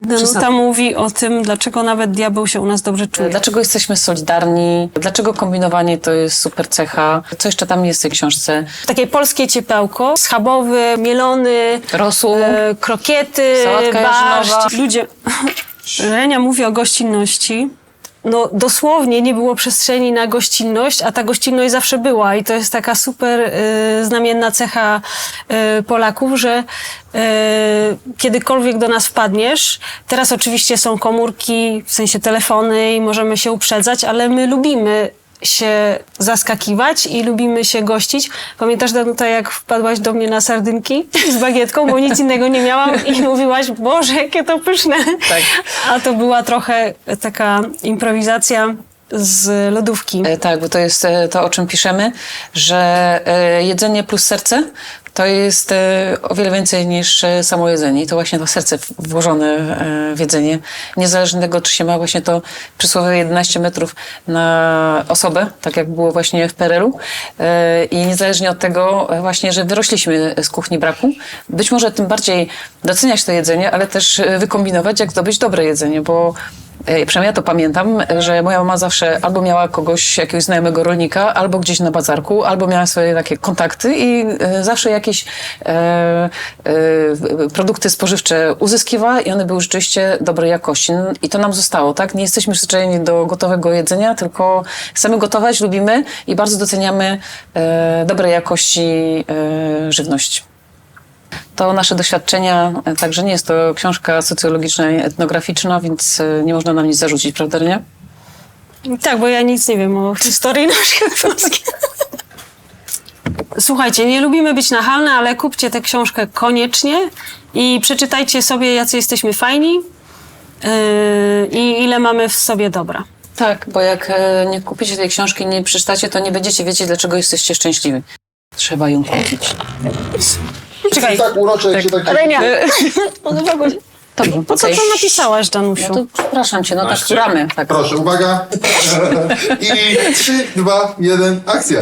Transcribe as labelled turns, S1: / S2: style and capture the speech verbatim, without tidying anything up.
S1: Danuta mówi o tym, dlaczego nawet diabeł się u nas dobrze czuje.
S2: Dlaczego jesteśmy solidarni, dlaczego kombinowanie to jest super cecha. Co jeszcze tam jest w tej książce?
S1: Takie polskie ciepełko, schabowy, mielony,
S2: Rosół,
S1: e, krokiety,
S2: sałatka jarzynowa.
S1: barszcz. Ludzie... Lenia mówi o gościnności. No dosłownie nie było przestrzeni na gościnność, a ta gościnność zawsze była i to jest taka super y, znamienna cecha y, Polaków, że y, kiedykolwiek do nas wpadniesz, teraz oczywiście są komórki, w sensie telefony i możemy się uprzedzać, ale my lubimy się zaskakiwać i lubimy się gościć. Pamiętasz, Danuta, jak wpadłaś do mnie na sardynki z bagietką, bo nic innego nie miałam i mówiłaś, Boże, jakie to pyszne.
S2: Tak.
S1: A to była trochę taka improwizacja z lodówki.
S2: E, tak, bo to jest e, to, o czym piszemy, że e, jedzenie plus serce to jest e, o wiele więcej niż e, samo jedzenie. I to właśnie to serce w- włożone e, w jedzenie. Niezależnie od tego, czy się ma właśnie to przysłowiowe jedenaście metrów na osobę, tak jak było właśnie w P R L u. E, I niezależnie od tego e, właśnie, że wyrośliśmy z kuchni braku, być może tym bardziej doceniać to jedzenie, ale też e, wykombinować, jak zdobyć dobre jedzenie, bo E, Przynajmniej ja to pamiętam, że moja mama zawsze albo miała kogoś, jakiegoś znajomego rolnika, albo gdzieś na bazarku, albo miała swoje takie kontakty i e, zawsze jakieś e, e, produkty spożywcze uzyskiwała i one były rzeczywiście dobrej jakości. I to nam zostało, tak? Nie jesteśmy przyzwyczajeni do gotowego jedzenia, tylko chcemy gotować, lubimy i bardzo doceniamy e, dobrej jakości e, żywność. To nasze doświadczenia, także nie jest to książka socjologiczna i etnograficzna, więc nie można nam nic zarzucić, prawda, nie?
S1: Tak, bo ja nic nie wiem o historii naszej Polski. Słuchajcie, nie lubimy być nachalne, ale kupcie tę książkę koniecznie i przeczytajcie sobie, jacy jesteśmy fajni yy, i ile mamy w sobie dobra.
S2: Tak, bo jak e, nie kupicie tej książki, nie przeczytacie, to nie będziecie wiedzieć, dlaczego jesteście szczęśliwi. Trzeba ją kupić.
S1: Czekaj,
S3: Tak urocze, jak się tak...
S1: Renia, podobało się.
S2: Dobrze,
S1: Po co
S2: okej.
S1: to napisałaś, Danusiu?
S2: No to przepraszam cię, no tak gramy. Tak.
S3: Proszę, uwaga. I trzy, dwa, jeden, akcja.